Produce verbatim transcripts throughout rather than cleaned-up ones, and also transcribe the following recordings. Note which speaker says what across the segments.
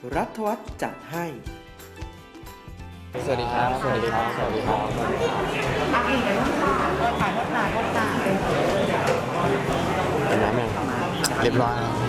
Speaker 1: รัฐวัฒน์จัดให้
Speaker 2: สวัสดีครับสวัสดีครับสวัสดีครับ
Speaker 3: อ่ะอีกหนึ่งค่ะเออถ่ายโฆษณาโฆษณาเป็น
Speaker 2: กินน้ำยังเรียบร้อยแล้ว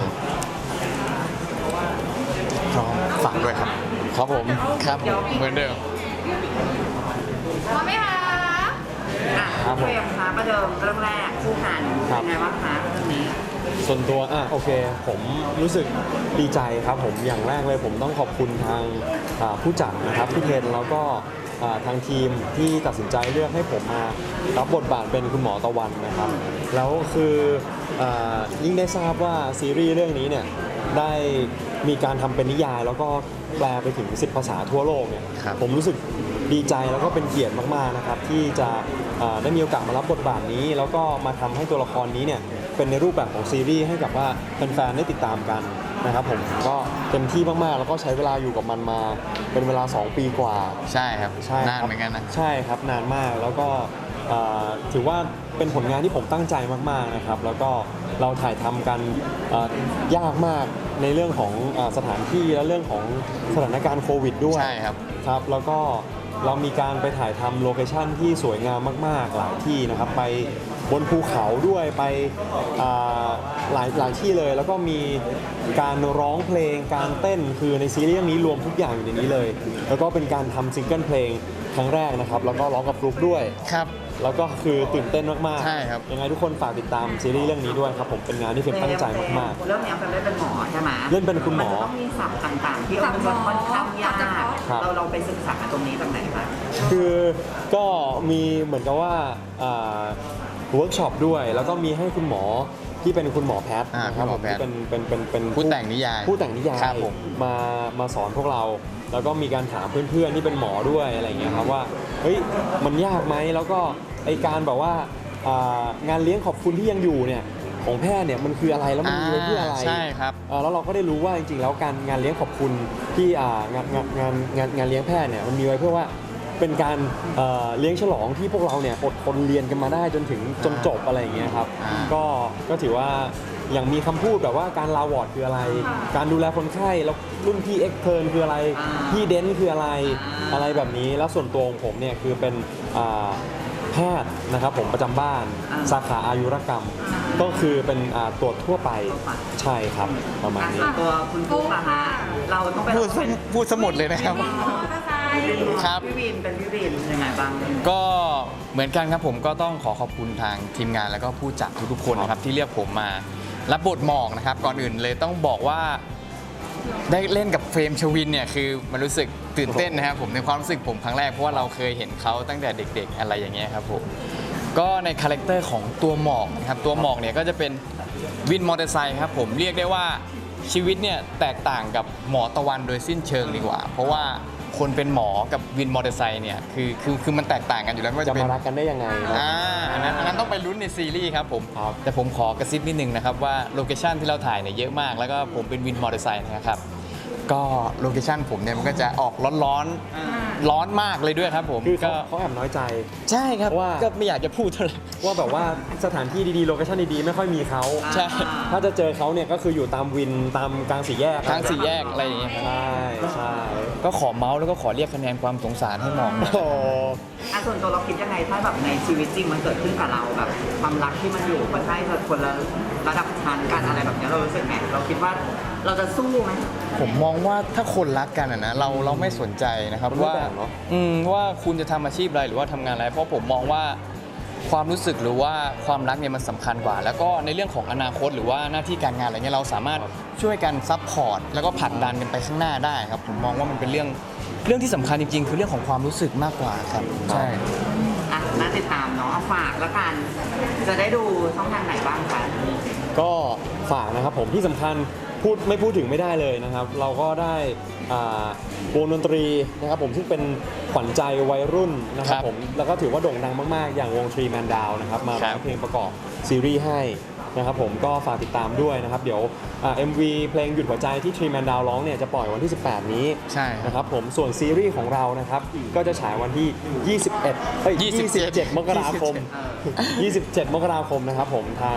Speaker 2: พร้อมฝากด้วยครับครับผมครับเหมือนเดิม
Speaker 3: พร้อมไหมคะอ่ะ
Speaker 2: ครับผม
Speaker 3: เฟรมคะประเดิมเรื่องแรกคู่กันเป็นไงบ้างคะเรื่องนี้
Speaker 2: ส่วนตัวอ่ะโอเคผมรู้สึกดีใจครับผมอย่างแรกเลยผมต้องขอบคุณทางอ่าผู้จัดนะครับพี่เทนแล้วก็อ่าทางทีมที่ตัดสินใจเลือกให้ผมมารับบทบาทเป็นคุณหมอตะวันนะครับแล้วคืออ่ายิ่งได้ทราบว่าซีรีส์เรื่องนี้เนี่ยได้มีการทำเป็นนิยายแล้วก็แปลไปถึงสิบภาษาทั่วโลกเนี่ยผมรู้สึกดีใจแล้วก็เป็นเกียรติมากๆนะครับที่จะอ่าได้มีโอกาสมารับบทบาทนี้แล้วก็มาทำให้ตัวละครนี้เนี่ยเป็นในรูปแบบของซีรีส์ให้กับว่าแฟนๆได้ติดตามกันนะครับผมก็เต็มที่มากๆแล้วก็ใช้เวลาอยู่กับมันมาเป็นเวลาสองปีกว่า
Speaker 4: ใช่ครับ
Speaker 2: ใช่
Speaker 4: นานเหมือนกันนะ
Speaker 2: ใช่ครับนานมากแล้วก็อ่าถือว่าเป็นผลงานที่ผมตั้งใจมากๆนะครับแล้วก็เราถ่ายทำกันอ่ายากมากในเรื่องของอ่าสถานที่และเรื่องของสถานการณ์โควิดด้วย
Speaker 4: ใช่ครับ
Speaker 2: ครับแล้วก็เรามีการไปถ่ายทำโลเคชั่นที่สวยงามมากๆหลายที่นะครับไปบนภูเขาด้วยไปอ่าหลายหลายที่เลยแล้วก็มีการร้องเพลงการเต้นคือในซีรีส์เรื่องนี้รวมทุกอย่างอยู่ในนี้เลยแล้วก็เป็นการทำซิงเกิลเพลงครั้งแรกนะครับแล้วก็ร้องกับฟลุ๊กด้วย
Speaker 4: ครับ
Speaker 2: แล้วก็คือตื่นเต้นมากๆ
Speaker 4: ใช่ครับ
Speaker 2: ยังไงทุกคนฝากติดตามซีรีส์เรื่องนี้ด้วยครับผมเป็นงานที่เฟรมตั้งใจมาก
Speaker 3: เรื่องนี้เป็นเล่นเป็นหมอใช่ไหม
Speaker 2: เล่นเป็นคุณหมอ
Speaker 3: มันจะต้องมีศัพท์ต่างๆ ที่เอาเป็นค่อนข้างยาก
Speaker 2: ครับ
Speaker 3: เราเราไปศึกษาตรงนี้ตรงไหนคะ
Speaker 2: ๆ คือก็มีเหมือนกับว่าเวิร์กช็อปด้วย แล้วก็มีให้คุณหมอที่เป็นคุณหมอแพทย์
Speaker 4: อ่า
Speaker 2: นะครับ
Speaker 4: คุณหม
Speaker 2: ผ
Speaker 4: อ
Speaker 2: ม
Speaker 4: แพทย์
Speaker 2: ที่เป็นเป็นเป็นเป็น
Speaker 4: ผู้แต่งนิยาย
Speaker 2: ผู้แต่งนิยาย
Speaker 4: ครับผม
Speaker 2: มามาสอนพวกเรา แล้วก็มีการถามเพื่อนๆที่เป็นหมอด้วยอะไรอย่างเงี้ยครับว่าเฮ้ยมันยากไหมแล้วก็ไอการแบบว่าอ่างานเลี้ยงขอบคุณที่ยังอยู่เนี่ยของแพทย์เนี่ยมันคืออะไรแล้วมันมีไว้เพื่ออะไร
Speaker 4: ใช่ครับ
Speaker 2: เอ่อแล้วเราก็ได้รู้ว่าจริงๆแล้วการงานเลี้ยงขอบคุณที่อ่างานงานงานงานงานเลี้ยงแพทย์เนี่ยมันมีไว้เพื่อว่าเป็นการเอ่อเลี้ยงฉลองที่พวกเราเนี่ยอดทนเรียนกันมาได้จนถึงจนจบอะไรอย่างเงี้ยครับ
Speaker 4: อ่า
Speaker 2: ก็ก็ถือว่าอย่างมีคำพูดแบบว่าการลาวอร์ดคืออะไร การดูแลคนไข้แล้วรุ่นพี่เอ็กเทิร์นคืออะไรพี่เดนคืออะไรอะไรแบบนี้แล้วส่วนตัวของผมเนี่ยคือเป็นอ่าแพทย์นะครับผมประจำบ้านสาขาอายุรกรรม ก็คือเป็นอ่าตรวจทั่วไปใช่ครับประมาณนี้
Speaker 3: อ่ะตัวคุณฟุ๊กอะคะเราต้องไป
Speaker 4: พูดพูดสมุดเลยนะครับ ครับ
Speaker 3: พี่วินเป็นพี่วินยังไงบ้าง
Speaker 4: ก็เหมือนกันครับผมก็ต้องขอขอบคุณทางทีมงานแล้วก็ผู้จัดทุกๆคนนะครับที่เรียกผมมารับบทหมอกนะครับก่อนอื่นเลยต้องบอกว่าได้เล่นกับเฟรมชวินเนี่ยคือมันรู้สึกตื่นเต้นนะครับผมในความรู้สึกผมครั้งแรกเพราะว่าเราเคยเห็นเขาตั้งแต่เด็กๆอะไรอย่างเงี้ยครับผมก็ในคาแรคเตอร์ของตัวหมอกนะครับตัวหมอกเนี่ยก็จะเป็นวินมอเตอร์ไซค์ครับผมเรียกได้ว่าชีวิตเนี่ยแตกต่างกับหมอตะวันโดยสิ้นเชิงดีกว่า เพราะว่าคนเป็นหมอกับวินมอเตอร์ไซค์เนี่ยคือคือคือมันแตกต่างกันอยู่แล้วไม่ว่า
Speaker 2: จะ
Speaker 4: จะเป็น
Speaker 2: มารักกันได้ยังไงนะ
Speaker 4: อ่าอันนั้นอันนั้นต้องไปลุ้นในซีรีส์ครับผม
Speaker 2: ครับ
Speaker 4: แต่ผมขอกระซิบนิดนึงนะครับว่าโลเคชันที่เราถ่ายเนี่ยเยอะมาก แล้วก็ผมเป็นวินมอเตอร์ไซค์นะครับก็โลเคชันผมเนี่ยมันก็จะออกร้อนๆร้อนมากเลยด้วยครับผม
Speaker 2: คือเขา
Speaker 4: ก็
Speaker 2: เขาแอบน้อยใจ
Speaker 4: ใช่ครับ
Speaker 2: ว่า
Speaker 4: ก็ไม่อยากจะพูดเท่าไหร่
Speaker 2: ว่าแบบว่าสถานที่ดีๆโลเคชั่นดีๆไม่ค่อยมีเขา
Speaker 4: ใช่
Speaker 2: ถ้าจะเจอเขาเนี่ยก็คืออยู่ตามวินตามกลางสี่แยก
Speaker 4: ทางสี่แยกอะไรอย่างเงี้ยครับ
Speaker 2: ใช่ใช่
Speaker 4: ก็ขอเมาส์แล้วก็ขอเรียกคะแนนความสงสารให้มองหน่อย
Speaker 2: โอ้
Speaker 3: อ่ะส่วนตัวเราคิดยังไงถ้าแบบในชีวิตจริงมันเกิดขึ้นกับเราแบบความรักที่มันอยู่มันใช่คนละระดับชั้นกันอะไรแบบเนี้ยเรารู้สึกไงเราคิดว่าเราจะสู้ไหม
Speaker 4: ผมมองว่าถ้าคนรักกันอะนะเราเราไม่สนใจนะครับ
Speaker 2: มันไม่
Speaker 4: ว่า
Speaker 2: แบ่งเนอะ
Speaker 4: อืมว่าคุณจะทำอาชีพอะไรหรือว่าทำงานอะไร เพราะผมมองว่าความรู้สึกหรือว่าความรักเนี่ยมันสำคัญกว่า แล้วก็ในเรื่องของอนาคตหรือว่าหน้าที่การงานอะไรเงี้ยเราสามารถช่วยกันซัพพอร์ตแล้วก็ผลักดันกันไปข้างหน้าได้ครับผมมองว่ามันเป็นเรื่องเรื่องที่สำคัญจริงๆ คือเรื่องของความรู้สึกมากกว่าครับใช่
Speaker 3: อ่ะน่าติดตามเนาะเอาฝากแล้วกัน จะได้ดูช่องทางไหนบ้างคะ
Speaker 2: ก็ฝากนะครับผมที่สำคัญพูดไม่พูดถึงไม่ได้เลยนะครับ เราก็ได้อ่าวงดนตรีนะครับผมซึ่งเป็นขวัญใจวัยรุ่นนะครับ
Speaker 4: ครับ
Speaker 2: ผมแล้วก็ถือว่าโด่งดังมากๆ อย่างวงทรีแมนดาวนะครับมา
Speaker 4: ครั
Speaker 2: ร้อบ งเพลงประกอบซีรีส์ให้นะครับผมก็ฝากติดตามด้วยนะครับ เดี๋ยวอ่า เอ็ม วี เพลงหยุดหัวใจที่ทรีแมนดาวร้องเนี่ยจะปล่อยวันที่ สิบแปด นี้
Speaker 4: ใช่ครับ
Speaker 2: นะครับผมส่วนซีรีส์ของเรานะครับก็จะฉายวันที่ ยี่สิบเอ็ดเอ้ย
Speaker 4: ยี่สิบเจ็ด
Speaker 2: ยี่สิบเจ็ด มกราคม ยี่สิบเจ็ด มกราคมนะครับผมทาง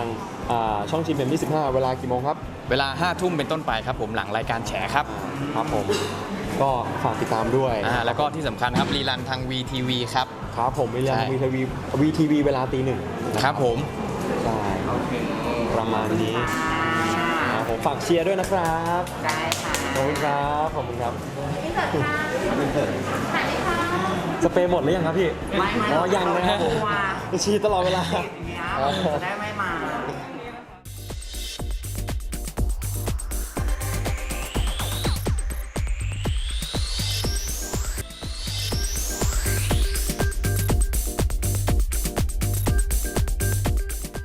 Speaker 2: อ่าช่องจีเอ็มยี่สิบห้าเวลากี่โมงครับ
Speaker 4: เวลาห้าทุ่มเป็นต้นไปครับผมหลังรายการแฉครับ
Speaker 2: ครับผมก็ฝากติดตามด้วย
Speaker 4: อ่าแล้วก็ที่สำคัญครับรีรันทาง วี ที วี ครับ
Speaker 2: ครับผมวิลเลียม
Speaker 4: ใช่
Speaker 2: วีทีวีวีทีวีเวลาตีหนึ่งนะครับ
Speaker 4: ผม
Speaker 2: ใช่
Speaker 3: โอเค
Speaker 2: ประมาณนี้
Speaker 3: ค่ะ
Speaker 2: ครับผมฝากเชียร์ด้วยนะครับ
Speaker 3: ได้ค่ะ
Speaker 2: ขอบคุณครับขอบคุณครับ
Speaker 1: พี่เสิร์ฟค่ะถ่ายไหมคะ
Speaker 2: สเปรย์หมดหรือยังครับพี่
Speaker 3: ไม่ไม่
Speaker 2: อ๋อยังนะครับผม
Speaker 3: ว่า
Speaker 2: ฉีดตลอดเวลา
Speaker 3: อย่างเงี้ยจะได้ไม่มา